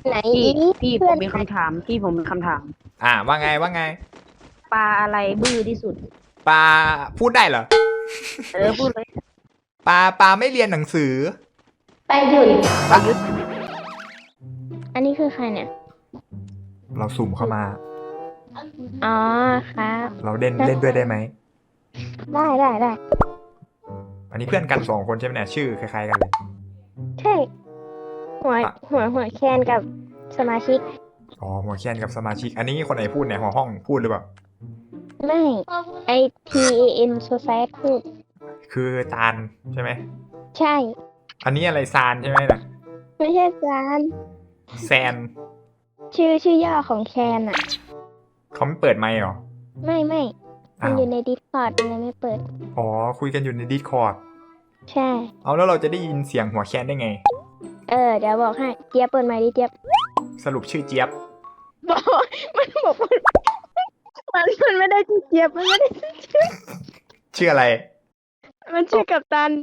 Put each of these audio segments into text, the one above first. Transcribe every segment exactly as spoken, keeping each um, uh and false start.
ไหนพี่พี่ผเพื่อนมมีคำถามพี่ผมมีคำถามอ่าว่าไงว่าไงปลาอะไรบื้อที่สุดปลาพูดได้เหรอเออพูดเลยปลาปลาไม่เรียนหนังสือไปหยุดประยุทธ์อันนี้คือใครเนี่ยเราสุ่มเข้ามาอ๋อครับเราเล่นเล่นด้วยได้ไหมได้ได้ได้อันนี้เพื่อนกันสองคนใช่ไหมเนี่ยชื่อคล้ายๆกันเลยใช่หัวอ่ะหัวหัวแคนกับสมาชิกอ๋อหัวแคนกับสมาชิก อันนี้คนไหนพูดเนี่ยหัวห้องพูดหรือเปล่าไม่ไอ T A N Society พูดคือตาลใช่ไหมใช่อันนี้อะไรซานใช่ไหมน่ะไม่ใช่จานแซนชื่อชื่อย่อของแคนอะเขาไม่เปิดไมค์หรอไม่ไม่มันอ้าวอยู่ใน Discord มันเลยไม่เปิดอ๋อคุยกันอยู่ในดิสคอร์ดใช่เอาแล้วเราจะได้ยินเสียงหัวแคนได้ไงเออ เดี๋ยวบอกให้ เจี๊ยบเปิดไมค์ดิเจี๊ยบสรุปชื่อเจี๊ยบบอกมันบอกมันมันมันไม่ได้ชื่อเจี๊ยบมันไม่ได้ชื่อเจี๊ยบชื่ออะไรมันชื่อกัปตัน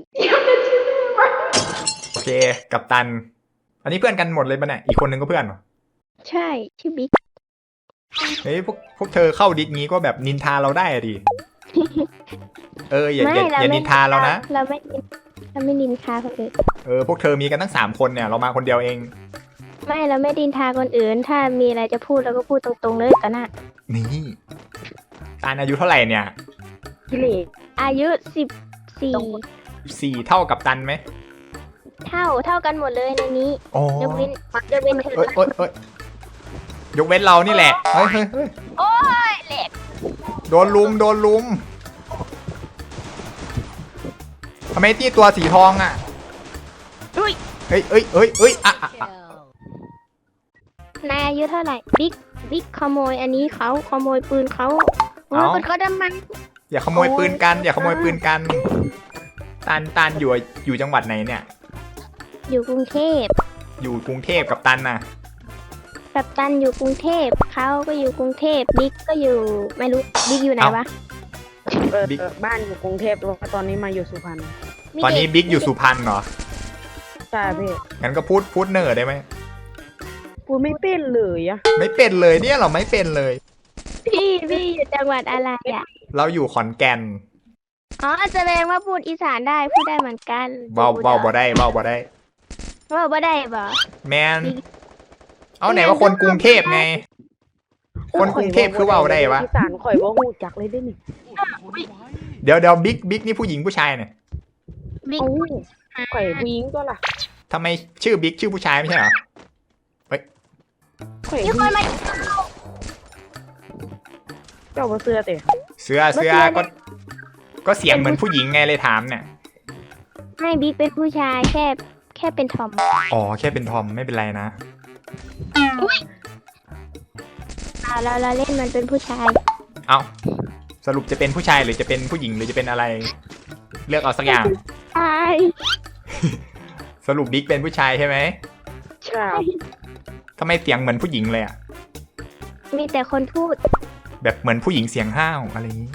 โอเค กัปตัน อันนี้เพื่อนกันหมดเลยปะเนี่ย อีกคนนึงก็เพื่อนเหรอใช่ชื่อบิ๊กเฮ้ยพวกพวกเธอเข้าดิสงี้ก็แบบนินทาเราได้อะดิ เอออย่าอย่าอย่านินทาเรานะเราไม่นินเราไม่ดินทาคนอื่นเออพวกเธอมีกันตั้งสามคนเนี่ยเรามาคนเดียวเองไม่เราไม่ดินทาคนอื่น ถ้ามีอะไรจะพูดเราก็พูดตรงๆเลยกันนะนี่ตาลอายุเท่าไหร่เนี่ยพี่เล่อายุสิบสี่สี่เท่ากับตันไหมเท่าเท่ากันหมดเลยในนี้อ๋อยกเว้นยกเว้นเธอเอ้ยเอ้ยเอ้ยยกเว้นเรานี่แหละ เฮ้ยเฮ้ยเฮ้ยโอ้ยเหล็กโดนลุมโดนลุมทำไมตี้ตัวสีทองอ่ะอุ้ยเฮ้ยเฮ้ยเฮ้ยเฮ้ยอ่ะอ่ะอ่ะนายอายุเท่าไหร่บิ๊กบิ๊กขโมยอันนี้เขาขโมยปืนเขาโอ้ยปืนเขาดำมันอย่าขโมยปืนกัน อย่าขโมยปืนกันตาลตาลอยู่อยู่จังหวัดไหนเนี่ยอยู่กรุงเทพอยู่กรุงเทพกับตันน่ะกัปตันอยู่กรุงเทพเขาก็อยู่กรุงเทพบิ๊กก็อยู่ไม่รู้บิ๊กอยู่ไหนเอ้าวะเออบิ๊กเออบ้านอยู่กรุงเทพแล้วก็ตอนนี้มาอยู่สุพรรณมีตอนนี้เด็บิ๊กอยู่สุพรรณเหรอใช่พี่งั้นก็พูดพูดเนอร์ได้ไหมพูดไม่เป็นเลยอะไม่เป็นเลยเนี่ยเราไม่เป็นเลยพี่พี่อยู่จังหวัดอะไรอ่ะเราอยู่ขอนแก่นอ๋อแสดงว่าพูดอีสานได้พูดได้เหมือนกันเบาเบาบ่ได้เบาบ่ได้เว่าบ่ได้บ่แมน เอาไหนว่าคนกรุงเทพไง คนกรุงเทพคือเว่าได้วะอีสานข่อยว่าหูจักเลยได้นี่เดี๋ยวเดี๋ยวบิ๊กบิ๊กนี่ผู้หญิงผู้ชายเนี่ยบิ๊กเอ้าข่อยผู้หญิงก็ล่ะทำไมชื่อบิ๊กชื่อผู้ชายไม่ใช่เหรอข่อยมีผู้คหนญิงมาเจ้าบ่เสื้อเตะเสื้อเสื้อก็ ก็เสียงเหมือนผู้หญิงไงเลยถามเนี่ยให้บิ๊กเป็นผู้ชายแค่แค่เป็นทอมอ๋อแค่เป็นทอมไม่เป็นไรนะอ่าเราเราเล่นมันเป็นผู้ชายเอาสรุปจะเป็นผู้ชายหรือจะเป็นผู้หญิงหรือจะเป็นอะไร เลือกเอาสักอย่างใช่สรุปบิ๊กเป็นผู้ชายใช่ไหมใช่ทำไมเสียงเหมือนผู้หญิงเลยอะมีแต่คนพูดแบบเหมือนผู้หญิงเสียงห้าวอะไรอย่างนี้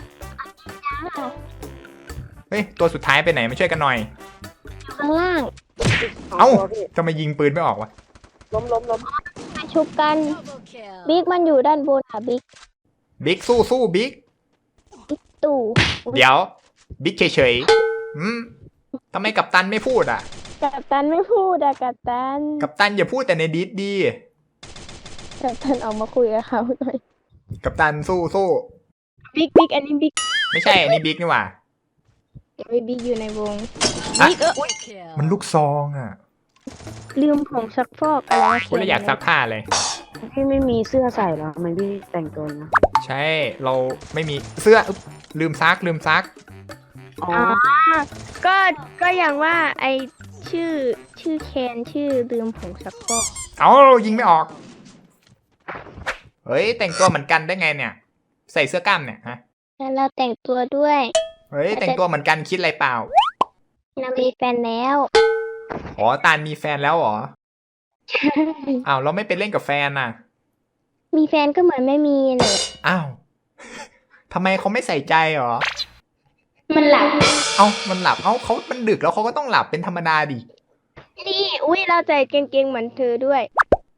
เฮ้ยตัวสุดท้ายไปไหนมาช่วยกันหน่อยข้างล่างเอ้าตัวพี่ทำไมยิงปืนไม่ออกวะล้มล้มล้มมาชุบกันบิ๊กมันอยู่ด้านบนค่ะบิ๊กบิ๊กสู้สู้บิ๊กตู่เดี๋ยวบิ๊กเฉยๆอืมทำไมกัปตันไม่พูดอ่ะกัปตันไม่พูดอะกัปตันกัปตันอย่าพูดแต่ในดิสดีกัปตันออกมาคุยกับเขาหน่อยกัปตันสู้สู้บิ๊กบิ๊กอันนี้บิ๊กไม่ใช่อันนี้บิ๊กนี่หว่าไม่บิ๊กอยู่ในวงฮะบิ๊กเออมันลูกซองอ่ะลืมผงซักฟอกอะไรวะกูเลยอยากซักผ้าเลยพี่ไม่มีเสื้อใส่เหรอทำไมพี่แต่งตัวนะใช่เราไม่มีเสื้ออึ๊บลืมซักลืมซักอ๋ออ๋อก็ก็อย่างว่าไอชื่อชื่อแคนชื่อลืมผงซักฟอกเอายิงไม่ออก เฮ้ยแต่งตัวเหมือนกันได้ไงเนี่ย ใส่เสื้อกล้ามเนี่ยฮะแล้วเราแต่งตัวด้วยเฮ้ยแต่งตัวเหมือนกันคิดอะไรเปล่าเรามีแฟนแล้วอ๋อตาลมีแฟนแล้วเหรออ้าวเราไม่ไปเล่นกับแฟนน่ะมีแฟนก็เหมือนไม่มีเลยอ้าวทำไมเขาไม่ใส่ใจเหรอมันหลับเอ้ามันหลับเอ้าเขามันดึกแล้วเขาก็ต้องหลับเป็นธรรมดาดินี่อุ้ยเราใจเก่งๆเหมือนเธอด้วย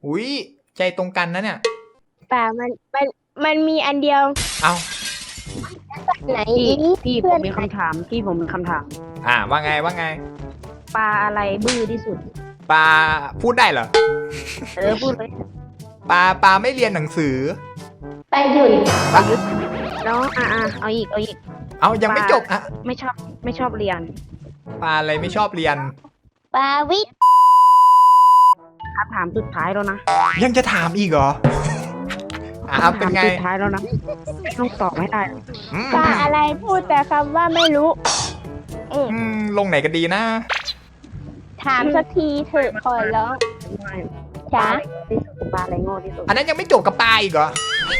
อุ้ยใจตรงกันนะเนี่ยป่ามันมันมันมีอันเดียวเอาไหนพี่พี่ผเพื่อมนมีคำถามพี่ผมมีคำถามอ่าว่าไงว่าไงปลาอะไรบื้อที่สุดปลาพูดได้เหรอเออพูดเลยปลาปลาไม่เรียนหนังสือไปหยุดน้องอ่ะอ่ะเอาอีกเอาอีกเอายังไม่จบอ่ะไม่ชอบไม่ชอบเรียนปลาอะไรไม่ชอบเรียนปาวิทย์คำถามสุดท้ายแล้วนะยังจะถามอีกเหรออ่าคำเป็นถามไงสุดท้ายแล้วนะต้องตอบไม่ได้อืมปลาอะไรพูดแต่คำว่าไม่รู้ อืมอืมลงไหนกันดีนะถามสักทีเถอะขอร้องจ้าที่สุดปลาอะไรโง่ที่สุดอันนั้นยังไม่จบกับปลาอีกเหรอ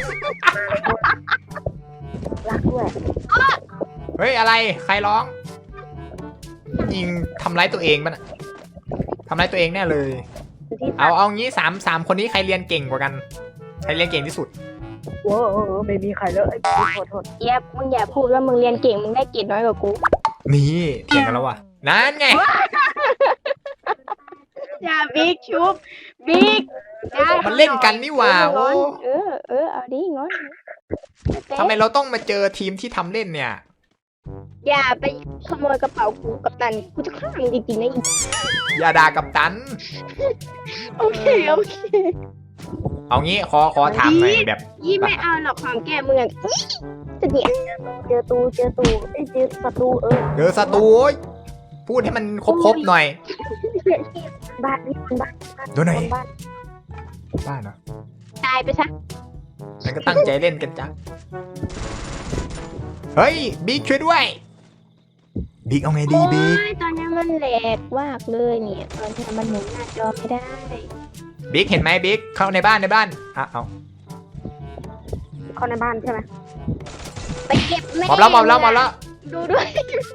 รักด้วยเฮ้ยอะไรใครร้อง ยิงทำร้ายตัวเองป่ะน่ะทำร้ายตัวเองแน่เลยที่เอาเอางี้สามสามคนนี้ใครเรียนเก่งกว่ากัน ใครเรียนเก่งที่สุดโอ้โหไม่มีใครเลยโทษโทษเย็บมึงอย่าพูดว่ามึงเรียนเก่งมึงได้เกรดน้อยกว่ากูนี่เถียงกันแล้วว่ะนั่นไงอย่าบิ๊กชุบบิ๊กมันเล่นกันนี่หว่าโอ้เออเออเอาดิงอนทำไมเราต้องมาเจอทีมที่ทำเล่นเนี่ยอย่าไปขโมยกระเป๋ากูกับตันกูจะฆ่ามึงจริงๆนะอีกอย่าด่ากับตันโอเคโอเคเอางี้ขอขอถามหน่อยแบบยี่ไม่เอาหรอกของแกมึงอ่ะจะเนี่ยเจอตูเจอตูเอ้ยเจอศัตรูเออเจอศัตรูโอ๊ยพูดให้มันครบๆหน่อยบ้านนี่มันบ้านดูหน่อยบ้านบ้านเหรอตายไปซะงั้นก็ตั้งใจเล่นกันจ้ะเฮ้ยบิ๊กช่วยด้วยบิ๊กเอาไงดีโอ้บิ๊กยตอนนี้มันแหลกมากเลยเนี่ยตอนนี้มันหมุนหน้าจอไม่ได้บิ๊กเห็นไหมบิ๊กเข้าในบ้านในบ้านอ่ะเอาเข้าในบ้านใช่ไหมไปเก็บแม่หมอบแล้วหมอบแล้วหมอบแล้วดูด้วย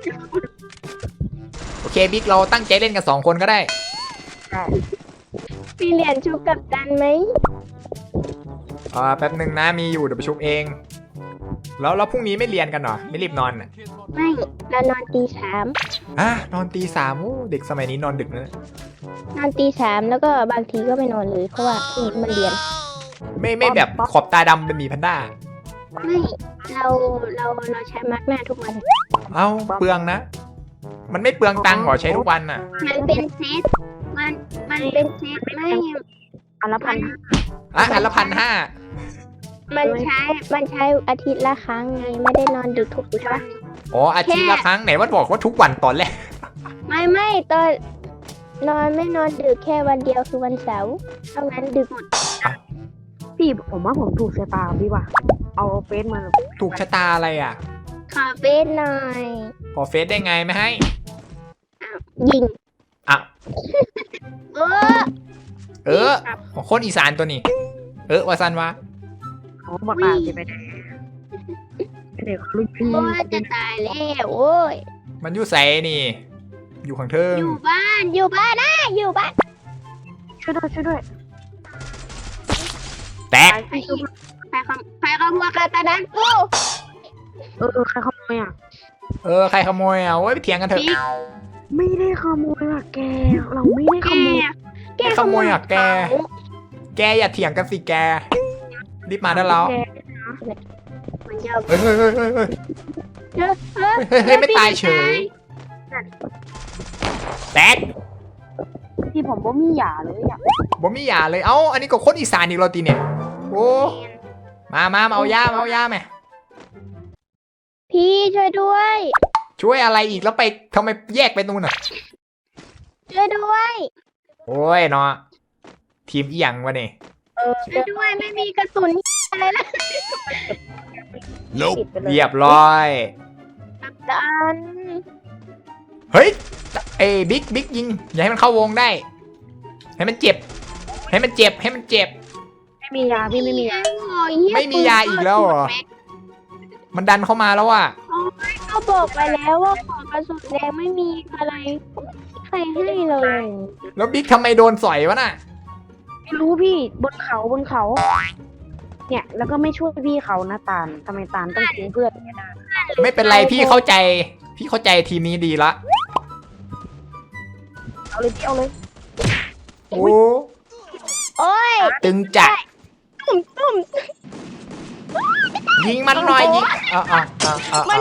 โอเคบิ๊กเราตั้งใจเล่นกันสองคนก็ได้ใช่พี่เหรียญชุบกับตันไหมอ่าแป๊บหนึ่งนะมีอยู่เดี๋ยวไปชุบเอง แล้วแล้วพรุ่งนี้ไม่เรียนกันเหรอไม่รีบนอนอ่ะไม่เรานอนตีสามอ่ะนอนตีสามโอ้เด็กสมัยนี้นอนดึกนะนอนตีสามแล้วก็บางทีก็ไม่นอนเลยเพราะว่าพรุ่งนี้มันเรียนไม่ไม่แบบขอบตาดำเป็นหมีแพนด้าไม่เราเราเราใช้มาร์กหน้าทุกวันเอ้าเปลืองนะ มันไม่เปลืองตังค์เหรอใช้ทุกวันน่ะมันเป็นเซตมันมันเป็นเซตไม่อันละพันอ่ะอันละพันห้ามันใช้มันใช้อาทิตย์ละครั้งไงไม่ได้นอนดึกทุกวันอ๋ออาทิตย์ละครั้งไหนว่าบอกว่าทุกวันตอนแรกไม่ไม่ตอนนอนไม่นอนดึกแค่วันเดียวคือวันเสาร์เท่านั้นดึกหมดพี่ผมว่าผมถูกชะตาพี่ว่ะเอาเฟซมาถูกชะตาอะไรอ่ะขอเฟซหน่อยขอเฟซได้ไงไม่ให้ยิงอ่ะเออเออคนอีสานตัวนี้ เออวาซันวะเขาบอกอ่านไปได้เด็กรุ่นพี่โอ้ยจะตายแล้วโอ้ยมันอยู่ใสนี่ อยู่ข้างเทิงอยู่บ้านอยู่บ้านนะอยู่บ้านช่วยด้วยช่วยด้วยแตกใครใครขโมใครขโมยกาตานั้นกูเออเออใครขโมยอ่ะเออใครขโมยอ่ะโอ้ยไปเถียงกันเถอะบิ๊กไม่ได้ขโมยอ่ะแกเราไม่ได้แกขโมยแกขโมยอ่ะแก แกอย่าเถียงกันสิแก รีบมาได้แล้วมันจะเฮ้ยเฮ้ยเฮ้ยเฮ้ยเฮ้ยเออเออเฮ้ยเฮ้ยไม่ตายเฉย แตกที่ผมบ่มีหยาเลยอ่ะบ่มีหยาเลย เอ้า อันนี้ก็คนอีสานอีกเราตีเนี่ย โอ้ มามามาเอายามาเอายาไหมพี่ช่วยด้วยช่วยอะไรอีกแล้วไปทำไมแยกไปตรงนู้นอ่ะช่วยด้วยโอ้ยเนาะทีมอีหยังวะเนี่ยเออช่วยด้วยไม่มีกระสุนอะไรละปิดไปเลยเรียบร้อยกัปตันเฮ้ยเอ้บิ๊กบิ๊กยิง อย่าให้มันเข้าวงได้ ให้มันเจ็บ ให้มันเจ็บ ให้มันเจ็บไม่มียาพี่ไม่มียาไม่มียาอีกแล้วเหรอ มันดันเข้ามาแล้วอ่ะเขาบอกไปแล้วว่าของกระสุนแดงไม่มีอะไรใครให้เลยแล้วบิ๊กทำไมโดนสอยวะน่ะไม่รู้พี่บนเขาบนเขา เนี่ยแล้วก็ไม่ช่วยพี่เขานะตาลทำไมตาลต้องทิ้งเพื่อนเนี่ยนะไม่เป็นไรพี่เข้าใจ พี่เข้าใจทีมนี้ดีละเอาเลยพี่เอาเลยโอ้โอ้ยตตึงจัดตุ้มตุ้มยิงมันหน่อยยิงอ่าอ่าอ่าอ่าอ่า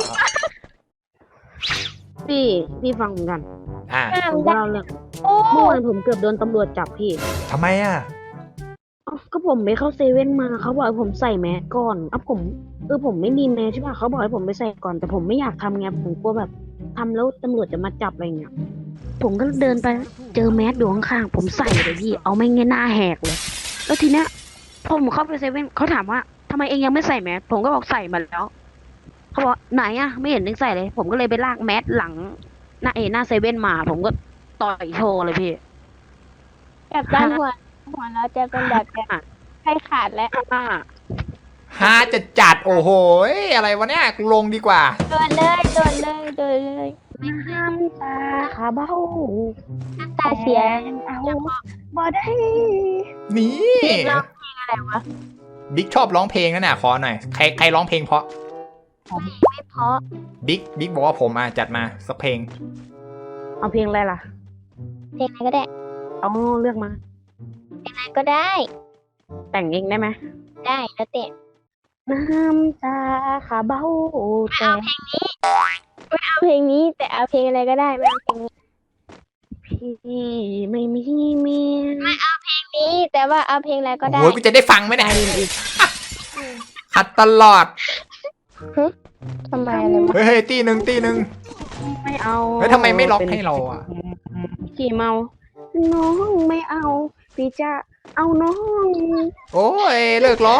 พี่พี่ฟังผมกันอ่าผมก็เล่าเรื่องโอ้เมื่อวานผมเกือบโดนตำรวจจับพี่ทำไมอ่ะเอ้าก็ผมไปเข้าเซเว่นมาเขาบอกให้ผมใส่แมสก่อนอ่ะผมเออผมไม่มีแมสใช่ป่ะเขาบอกให้ผมไปใส่ก่อนแต่ผมไม่อยากทำไงผมกลัวแบบทำแล้วตำรวจจะมาจับอะไรเงี้ยผมก็เดินไปเจอแมสอยู่ข้างๆผมใส่เลยพี่เอาไม่เงี้ยหน้าแหกเลยแล้วทีเนี้ยพอผมเข้าไปเซเว่นเขาถามว่าทำไมเองยังไม่ใส่แมสผมก็บอกใส่มาแล้วเขาบอกไหนอะไม่เห็นเองใส่เลย ผมก็เลยไปลากแมสหลังหน้าเอหน้าเซเว่นมา ผมก็ต่อยโชว์เลยพี่แบบด้านหัวหัวเราจะเป็นแบบแบบใครขาดแล้วอ่าฮาจะจัดโอ้โหอะไรวะเนี่ยกูลงดีกว่าโดนเลยโดนเลยโดนเลยน้ำตาขาเบ้าน้ำตาเสียเอาบ่ได้นี่ร้องเพลงอะไรวะบิ๊กชอบร้องเพลงนะน่ะขอหน่อยใครใครร้องเพลงเพราะไม่เพราะบิ๊กบิ๊กบอกว่าผมอ่ะจัดมาสักเพลงเอาเพลงอะไรล่ะเพลงอะไรก็ได้เอาเลือกมาเพลงอะไรก็ได้แต่งเองได้ไหมได้แล้วแต่น้ำตาขาเบ้าแต่เอาเพลงนี้แต่เอาเพลงอะไรก็ได้ไม่เอาเพลงนี้พี่ไม่มีเมียนี้แต่ว่าเอาเพลงอะไรก็ได้โอ้ยกูจะได้ฟังไหมเนี่ยขัดตลอดทำไมอะไรวะเฮ้ยเฮ้ยตีหนึ่งตีหนึ่งไม่เอาเฮ้ยทำไมไม่ล็อกให้เราอ่ะขี่เมา น้องไม่เอา พี่จะเอาน้องโอ้ยเลิกร้อง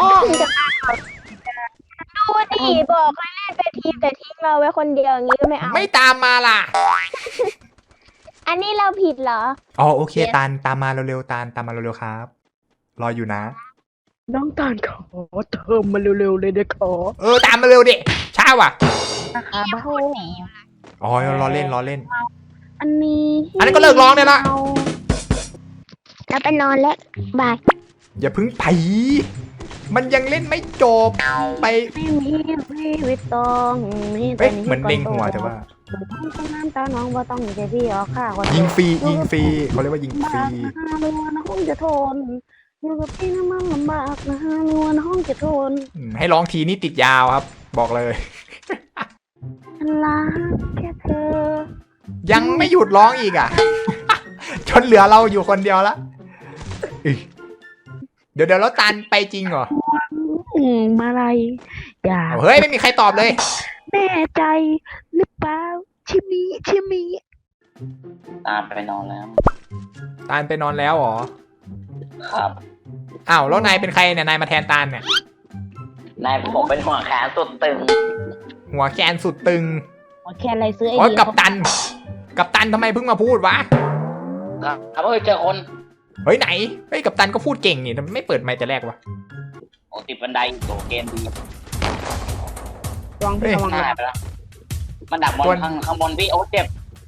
ดูดิบอกให้เล่นไปทีมแต่ทิ้งเราไว้คนเดียวอย่างนี้ก็ไม่เอาไม่ตามมาล่ะอันนี้เราผิดเหรออ๋อโอเคตาลตามมาเร็วๆตาลตามมาเร็วๆครับ รออยู่นะน้องตาลขอเติมมาเร็วๆเลยเด็กขอเออตามมาเร็วดิช้าว่ะขาเบ้าอ๋อรอเล่นรอเล่นอันนี้อันนั้นก็เลิกร้องได้ละแล้วไปนอนแล้วบายอย่าพึ่งไปมันยังเล่นไม่จบไปไม่มีพี่วิตต้องมีเอ้ยเหมือนเด้งหัวแต่ว่าน้ำตาน้องว่าต้องใจพี่ออกข้าก่อนยิงฟรียิงฟรีเขาเรียกว่ายิงฟรีนะรัวน้องจะทนอยู่กับพี่นะมันลำบากนะรัวน้องจะทนอืมให้ร้องทีนี่ติดยาวครับ บอกเลยฉันรักแค่เธอยังไม่หยุดร้องอีกอ่ะ จนเหลือเราอยู่คนเดียวละอึเดี๋ยวเดี๋ยวแล้วตันไปจริงเหรออืมมาอะไรอย่าเอาเฮ้ยไม่มีใครตอบเลยแน่ใจหรือเปล่าชิมีชิมีตามไปนอนแล้วตาลไปนอนแล้วเหรอครับอ้าวแล้วนายเป็นใครเนี่ยนายมาแทนตาลเนี่ยนายผมเป็นหัวแขนสุดตึงหัวแกนสุดตึงแค่อะไรซื้อไอโอ้ยเดียกับตัน กับตันทำไมเพิ่งมาพูดวะครับเฮ้ยเจอคนเฮ้ยไหนเฮ้ยกับตันก็พูดเก่งนี่ทำไมไม่เปิดไมค์แต่แรกวะโอ้ติดบันไดโตเกมดีระวังพี่ระวังหายไปแล้ว มันดักบนข้างข้างบนพี่โอ้เจ็บ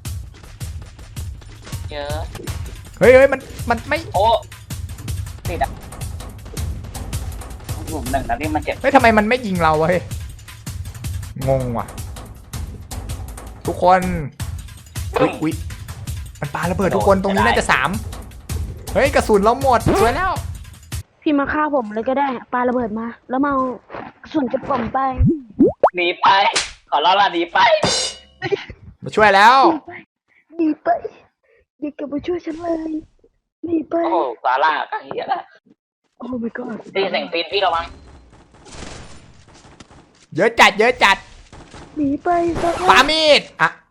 เจอเฮ้ยเฮ้ยมันมันไม่โอ้ติดอ่ะหลุมหนึ่งนะที่มันเจ็บเฮ้ยทำไมมันไม่ยิงเราวะเฮ้ยงงว่ะ ทุกคนอุ๊ยอุ๊ยมันปาระเบิดทุกคนตรงนี้น่าจะสามเฮ้ยกระสุนเราหมดสวยแล้วพี่มาฆ่าผมเลยก็ได้ปาระเบิดมา แล้วมาเอากระสุนจะผมไปหนีไป ขอร้องละหนีไปมาช่วยแล้วหนีไปอย่ากลับมาช่วยฉันเลยหนีไปโอ้ซาร่าก็เฮียละโอ้ my god ตีเสียงปีนพี่ระวังเยอะจัดเยอะจัดหนีไปซะปามีดอ่ะ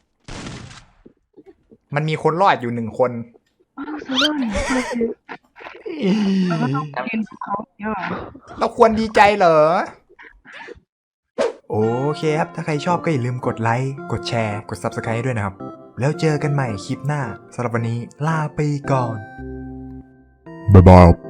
มันมีคนรอดอยู่หนึ่งคนซะแล้วเนี่ยเราควรดีใจเหรอ โอเคครับ ถ้าใครชอบก็อย่าลืมกดไลค์ กดแชร์ กด ซับสไครบ์ ด้วยนะครับ แล้วเจอกันใหม่คลิปหน้าสำหรับวันนี้ลาไปก่อน บ๊ายบาย